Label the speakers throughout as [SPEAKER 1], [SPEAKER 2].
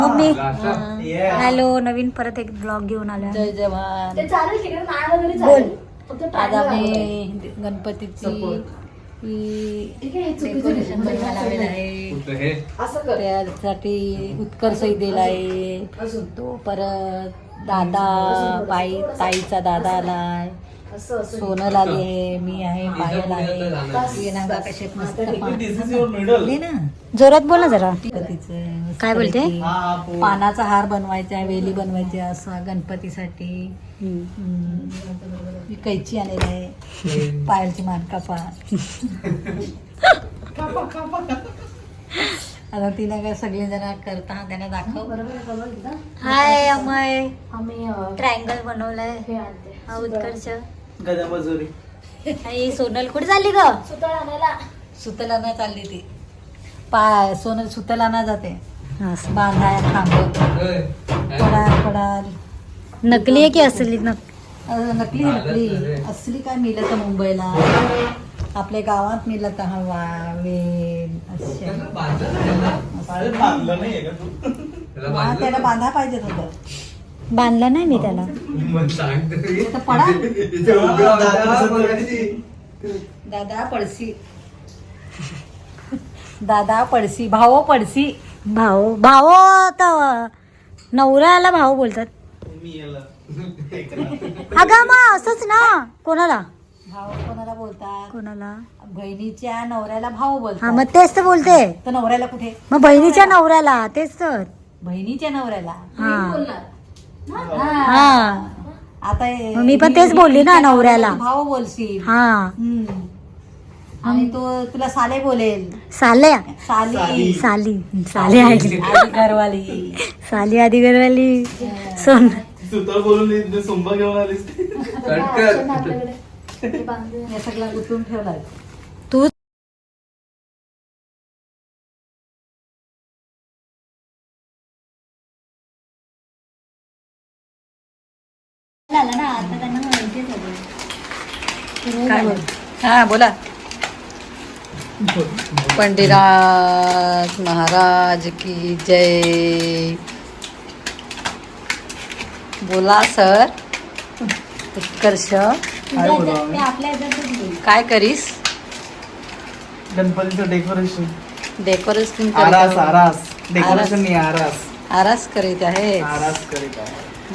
[SPEAKER 1] Mummy hello, नवीन परत एक blog घेऊन आलो.
[SPEAKER 2] जय जवान.
[SPEAKER 1] बोल.
[SPEAKER 2] आज आम्ही गणपतीची डेकोरेशन बनवायला आलेलं आहे. त्यासाठी उत्कर्ष दिला आहे. तो परत दादा ताईचा दादा आलाय, सोनल आली आहे, मी आहे, पायल आहे. मस्त ना
[SPEAKER 1] जोरात बोल ना जरा.
[SPEAKER 2] गणपतीचं
[SPEAKER 1] काय बोलते?
[SPEAKER 2] पानाचा हार बनवायचा, वेली बनवायच्या असा गणपतीसाठी. कैची आलेली आहे, पायलची मान कापा. आता तिला काय सगळे जण करता त्यांना दाखव.
[SPEAKER 1] हाय अमय, ट्रायंगल बनवलाय. हा उत्कर्ष. आणि सोनल कुठे चालली ग?
[SPEAKER 2] सुतलाना चालली ती. पाय सोनल सुतलाना जाते बांधाय थांबवत. पडा
[SPEAKER 1] नकली आहे की असली?
[SPEAKER 2] नकली असली काय मिळत मुंबईला, आपल्या गावात मिळत हवा वेल अशा. त्याला बांधा पाहिजे होतं.
[SPEAKER 1] बांधला नाही मी त्याला.
[SPEAKER 2] पडा दादा पडसी, दादा पडसी, भाऊ पडसी.
[SPEAKER 1] भाऊ आता नवऱ्याला भाऊ बोलतात. अगं मग असंच ना. कोणाला
[SPEAKER 2] भाऊ कोणाला बोलतात?
[SPEAKER 1] कोणाला?
[SPEAKER 2] बहिणीच्या नवऱ्याला भाऊ
[SPEAKER 1] हा
[SPEAKER 2] बोलतात.
[SPEAKER 1] मग तेच तर बोलते.
[SPEAKER 2] तर नवऱ्याला कुठे?
[SPEAKER 1] मग बहिणीच्या नवऱ्याला. तेच तर.
[SPEAKER 2] बहिणीच्या नवऱ्याला.
[SPEAKER 1] हा
[SPEAKER 2] आता
[SPEAKER 1] मग मी पण तेच बोलली ना, नवऱ्याला.
[SPEAKER 2] भाऊ बोलशील.
[SPEAKER 1] हा
[SPEAKER 2] आणि तो तुला साले बोलेल.
[SPEAKER 1] साल्या
[SPEAKER 2] साली
[SPEAKER 1] साली साली
[SPEAKER 2] आधी घरवाली.
[SPEAKER 1] साली आधी घरवाली. सोन
[SPEAKER 3] बोलून सोंबा घेऊन आलीस.
[SPEAKER 2] हे सगळं गुंतून ठेवलाय.
[SPEAKER 1] तू
[SPEAKER 2] काय बोल? हा बोला. पंडितराज महाराज की जय. बोला सर. उत्कर्ष काय करीस?
[SPEAKER 3] गणपतीचं डेकोरेशन.
[SPEAKER 2] डेकोरेशन
[SPEAKER 3] आरास आरास डेकोरेशन नाही, आरास
[SPEAKER 2] आरास करीत आहे.
[SPEAKER 3] आरास करीत आहे.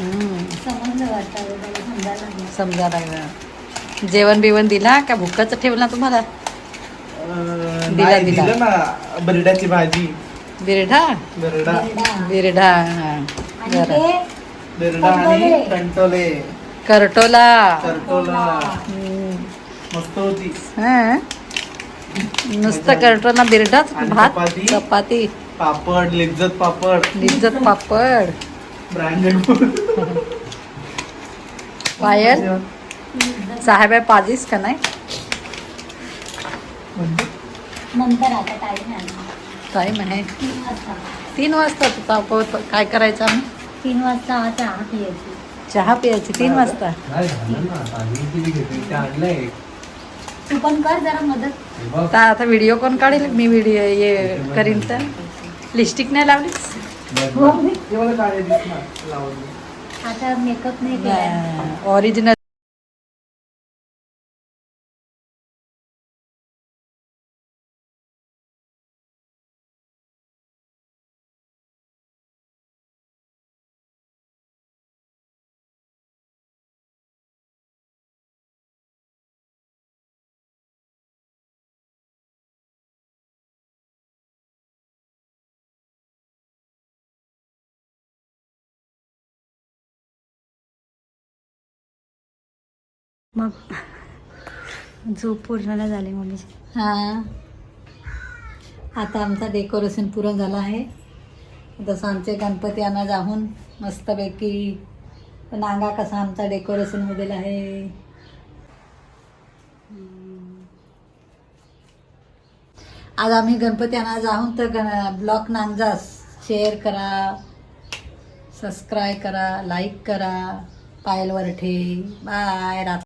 [SPEAKER 2] समजा लागलं. जेवण बिवण दिला का भुकाच ठेवला तुम्हाला?
[SPEAKER 3] नाही, दिलं ना बरड्याची भाजी.
[SPEAKER 2] बिरढा
[SPEAKER 3] बरडा
[SPEAKER 2] बिरढा हा. बरं.
[SPEAKER 3] बरडा आणि कंटोले
[SPEAKER 2] करटोला.
[SPEAKER 3] करटोला मस्त होती.
[SPEAKER 2] हा नुसतं करटोला बिरडाच. भात
[SPEAKER 3] चपाती.
[SPEAKER 2] चपाती
[SPEAKER 3] पापड, लिज्जत पापड,
[SPEAKER 2] लिज्जत पापड.
[SPEAKER 3] ब्रँडेड.
[SPEAKER 2] पायल साहेब पाजीस का नाही?
[SPEAKER 1] नंतर आता टाईम आहे.
[SPEAKER 2] टाईम आहे 3 वाजता. तुझा काय करायचं आम्ही?
[SPEAKER 1] 3 वाजता चहा पियायची.
[SPEAKER 2] चहा प्यायची 3 वाजता.
[SPEAKER 1] तू पण कर जरा मदत.
[SPEAKER 2] आता व्हिडिओ कोण काढेल? मी व्हिडिओ ये करीन तर. लिपस्टिक नाही लावलीस?
[SPEAKER 1] आता मेकअप नाही केला.
[SPEAKER 2] ओरिजिनल
[SPEAKER 1] मग झोप पूर्ण नाही झाली मम्मी.
[SPEAKER 2] हा. आता आमचा डेकोरेशन पूर्ण झाला आहे. तसं आमचे गणपती आणा जाऊन मस्तपैकी. नांगा कसा आमचा डेकोरेशन मध्ये आहे. आज आम्ही गणपती आणा जाऊन तर ब्लॉग नांगजा शेअर करा, सबस्क्राईब करा, लाईक करा. पायल वरठे बाय.